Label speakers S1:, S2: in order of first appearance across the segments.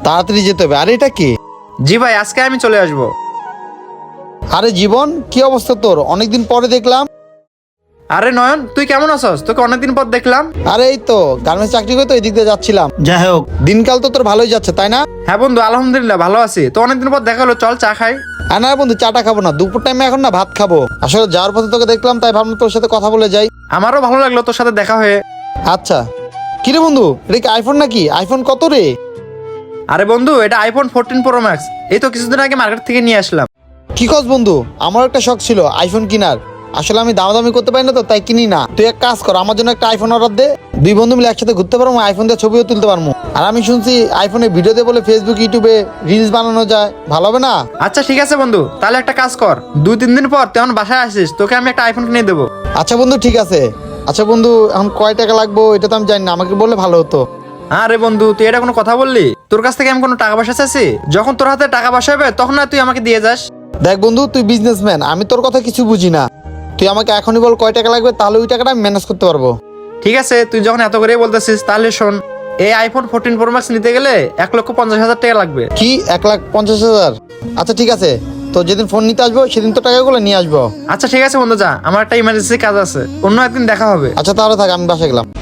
S1: তাড়াতাড়ি যেতে হবে। আরে এটা কি?
S2: জি ভাই, আজকে আমি চলে আসবো।
S1: আরে জীবন, কি অবস্থা তোর? অনেকদিন পরে দেখলাম।
S2: আরে নয়ন, তুই কেমন আছস? তোকে অনেকদিন পর দেখলাম।
S1: আরে এই তো গার্মেন্টস চাকরি করে তো এই দিক দিয়ে যাচ্ছিলাম। যাই হোক, দিনকাল তো তোর ভালোই যাচ্ছে তাই না?
S2: হ্যাঁ বন্ধু, আলহামদুলিল্লাহ ভালো আছি। তো অনেকদিন পর দেখা হলো, চল চা খাই।
S1: আর না বন্ধু, চাটা খাবো না, দুপুর টাইমে এখন না ভাত খাবো। আসলে যাওয়ার পথে তোকে দেখলাম, তাই ভাবলাম তোর সাথে কথা বলে যাই।
S2: আমারও ভালো লাগলো তোর সাথে দেখা হয়ে।
S1: আচ্ছা, কিরে বন্ধু, এটা কি আইফোন নাকি? আইফোন কত রে?
S2: আরে বন্ধু, এটা আইফোন 14 প্রো ম্যাক্স। এই তো কিছুদিন আগে মার্কেট থেকে নিয়ে আসলাম।
S1: কি খোঁজ বন্ধু? আমার একটা শখ ছিল আইফোন কেনার। আসলে আমি দামাদামি করতে পারি না তো, তাই কিনি না। তুই এক কাজ কর, আমার জন্য একটা আইফোন অর্ডার দে। দুই বন্ধু মিলে একসাথে ঘুরতে পারবো, আইফোন দিয়ে ছবিও তুলতে পারবো। আর আমি শুনছি আইফোনে ভিডিও দিয়ে বলে ফেসবুক ইউটিউবে রিলস বানানো যায়, ভালো হবে না?
S2: আচ্ছা ঠিক আছে বন্ধু, তাহলে একটা কাজ কর, 2-3 দিন পর তুই আমার বাসায় আসিস, তোকে আমি একটা আইফোন কিনে দেবো।
S1: আচ্ছা বন্ধু, ঠিক আছে। আচ্ছা বন্ধু, এখন কয় টাকা লাগবে এটা তো আমি জানি না, আমাকে বললে ভালো হতো।
S2: আরে বন্ধু, তুই এটা কোনো কথা বললি? তোর কাছ থেকে আমি কোনো টাকা পয়সা চাইছি? যখন তোর হাতে টাকা পয়সা হবে তখন না তুই আমাকে দিয়ে যাস।
S1: দেখ বন্ধু, তুই বিজনেসম্যান, আমি তোর কথা কিছু বুঝি না। তুই আমাকে এখনই বল কয় টাকা লাগবে, তাহলে ওই টাকাটা আমি ম্যানেজ করতে পারবো।
S2: ঠিক আছে, তুই যখন এত করেই বলতেছিস তাহলে শোন, এই আইফোন 14 প্রো ম্যাক্স নিতে গেলে 1,50,000 টাকা লাগবে।
S1: কি 1,50,000? আচ্ছা ঠিক আছে, তো যেদিন ফোন নিতে আসবো সেদিন তো টাকাগুলো নিয়ে আসবো।
S2: আচ্ছা ঠিক আছে বন্ধু, যা, আমার একটা ইমার্জেন্সি কাজ আছে, অন্য একদিন দেখা হবে।
S1: আচ্ছা তাহলে থাক, আমি বাসা গেলাম।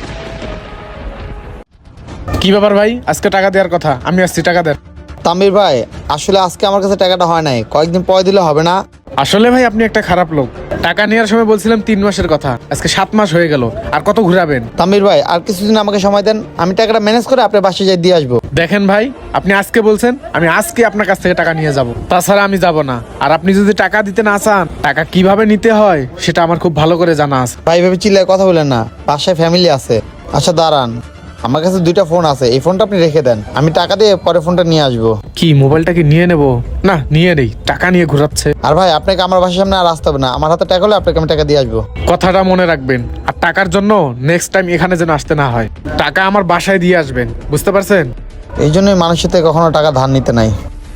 S3: কি ব্যাপার ভাই, আজকে টাকা দেওয়ার কথা, আমি আসছি, টাকা দেন।
S1: তামির ভাই, আসলে আজকে আমার কাছে টাকাটা হয় নাই, কয়েকদিন পরে দিলে হবে না?
S3: আসলে ভাই আপনি একটা খারাপ লোক। টাকা নেওয়ার সময় বলছিলাম 3 মাসের কথা, আজকে 7 মাস হয়ে গেল, আর কত ঘুরাবেন?
S1: তামির ভাই, আর কিছুদিন আমাকে সময় দেন, আমি টাকাটা ম্যানেজ করে আপনার বাসায় যাই দিয়ে আসবো।
S3: দেখেন ভাই, আপনি আজকে বলছেন, আমি আজকে আপনার কাছ থেকে টাকা নিয়ে যাব, তাছাড়া আমি যাব না। আর আপনি যদি টাকা দিতে না চান, টাকা কিভাবে নিতে হয় সেটা আমার খুব ভালো করে জানা আছে।
S1: ভাই ভেবে চিল্লায় কথা বলেন না, বাসায় ফ্যামিলি আছে। আচ্ছা দাঁড়ান, আমার কাছে 2টা ফোন আছে, এই ফোনটা আপনি রেখে দেন, আমি টাকা দিয়ে পরে ফোনটা নিয়ে আসবো।
S3: কি মোবাইলটা কি নিয়ে নেব? না, নিয়ে নেই, টাকা নিয়ে ঘোরাচ্ছে।
S1: আর ভাই, আপনাকে আমার বাসার সামনে আর আসতে হবে না, আমার হাতে টাকা হলে আপনাকে আমি টাকা দিয়ে আসবো।
S3: কথাটা মনে রাখবেন, আর টাকার জন্য নেক্সট টাইম এখানে যেন আসতে না হয়। টাকা আমার বাসায় দিয়ে আসবেন, বুঝতে পারছেন?
S1: এই জন্যই মানুষের থেকে কখনো টাকা ধার নিতে নাই।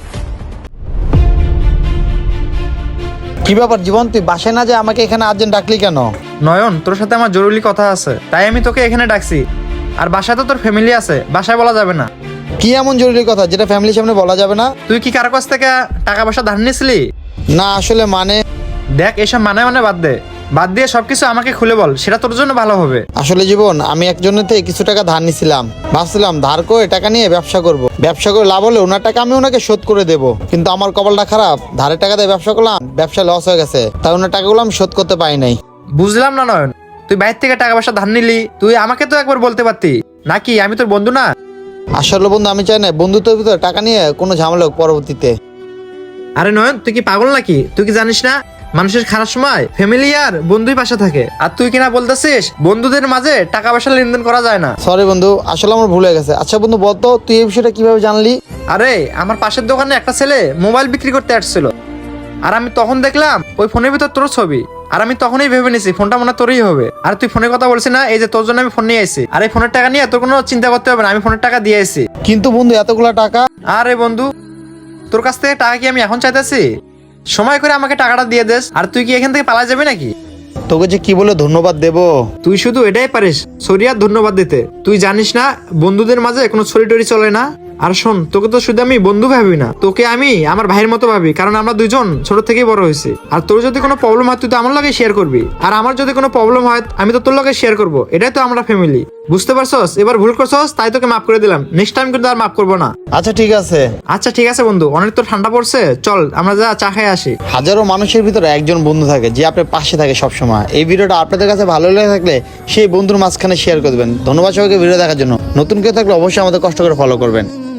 S1: কি ব্যাপার জীবন, তুই বাসায় না যে আমাকে এখানে আর্জেন্ট ডাকলি কেন?
S2: নয়ন, তোর সাথে আমার জরুরি কথা আছে, তাই আমি তোকে এখানে ডাকছি। আর বাসায় তো তোর ফ্যামিলি আছে, বাসায় বলা যাবে না।
S1: কি এমন জরুরি কথা যেটা ফ্যামিলির সামনে বলা যাবে না?
S2: তুই কি কারো কাছ থেকে টাকা পয়সা ধার নিয়েছিলি?
S1: না আসলে মানে,
S2: দেখ, এসব মানে বাদ দে, বাদ দিয়ে সবকিছু আমাকে খুলে বল, সেটা তোর জন্য ভালো হবে।
S1: আসলে জীবন, আমি একজনের থেকে কিছু টাকা ধার নিছিলাম। ভাবছিলাম ধার করে টাকা নিয়ে ব্যবসা করব, ব্যবসা করে লাভ হলে ওনার টাকা আমি ওনাকে শোধ করে দেব। কিন্তু আমার কপালটা খারাপ, ধারের টাকা দিয়ে ব্যবসা করলাম, ব্যবসা লস হয়ে গেছে, তাই ওনার টাকাগুলো আমি শোধ করতে পারি নাই।
S2: বুঝলাম না নয়ন, তুই বাইরে থেকে টাকা পয়সা ধার নিলি, তুই আমাকে তো একবার বলতে পারতি নাকি? আমি তোর বন্ধু না?
S1: আসলে বন্ধু, আমি চাই না বন্ধুত্বের ভিতরে টাকা নিয়ে কোনো ঝামেলা হোক পরবর্তীতে।
S2: আরে নয়ন, তুই কি পাগল নাকি? তুই কি জানিস না, মানুষের খারাপ সময় ফ্যামিলি আর বন্ধুই পাশে থাকে। আর তুই কিনা বলতেছিস বন্ধুদের মাঝে টাকা পয়সা লেনদেন করা যায় না।
S1: সরি বন্ধু, আসলে আমার ভুল হয়ে গেছে। আচ্ছা বন্ধু বলতো, তুই এই বিষয়টা কিভাবে জানলি?
S2: আরে, আমার পাশের দোকানে একটা ছেলে মোবাইল বিক্রি করতে আসছিল, আর আমি তখন দেখলাম ওই ফোনের ভিতর তোর ছবি। আর আমি তখনই ভেবে নিছি ফোনটা মনে হয় তোরই হবে। আর তুই ফোনের কথা বলছিস না, এই যে তোর জন্য আমি ফোন নিয়ে আসছি। আর এই ফোনের টাকা নিয়ে তোর কোনো চিন্তা করতে হবে না, আমি ফোনের টাকা দিয়ে আসছি।
S1: কিন্তু বন্ধু, এতগুলা টাকা?
S2: আরে বন্ধু, তোর কাছ থেকে টাকা কি আমি এখন চাইতেছি? সময় করে আমাকে টাকাটা দিয়ে দেস, আর তুই কি এখান থেকে পালা যাবে নাকি?
S1: তোকে যে কি বলে ধন্যবাদ দেবো।
S2: তুই শুধু এটাই পারিস, সরি আর ধন্যবাদ দিতে। তুই জানিস না বন্ধুদের মাঝে কোনো ছড়ি টরি চলে না। আর শোন, তোকে তো শুধু আমি বন্ধু ভাবি না, তোকে আমি আমার ভাইয়ের মতো ভাবি, কারণ আমরা দুইজন ছোট থেকেই বড় হয়েছি। আর তোর যদি কোনো প্রবলেম হয় তুই তো আমার লগে শেয়ার করবি, আর আমার যদি কোনো প্রবলেম হয় আমি তো তোর লগে শেয়ার করবো। এটাই তো আমরা ফ্যামিলি, বুঝতে পারছস? এবার ভুল করছস তাই তোকে মাফ করে দিলাম, নেক্সট টাইম কিন্তু আর মাফ করবো না।
S1: আচ্ছা ঠিক আছে।
S2: আচ্ছা ঠিক আছে বন্ধু, অনেক তো ঠান্ডা পড়ছে, চল আমরা যা চা খেয়ে আসি।
S1: হাজারো মানুষের ভিতরে একজন বন্ধু থাকে যে আপনার পাশে থাকে সবসময়। এই ভিডিওটা আপনাদের কাছে ভালো লেগে থাকলে সেই বন্ধুর মাঝখানে শেয়ার করবেন। ধন্যবাদ সবাইকে ভিডিও দেখার জন্য। নতুন কেউ থাকলে অবশ্যই আমাদের কষ্ট করে ফলো করবেন।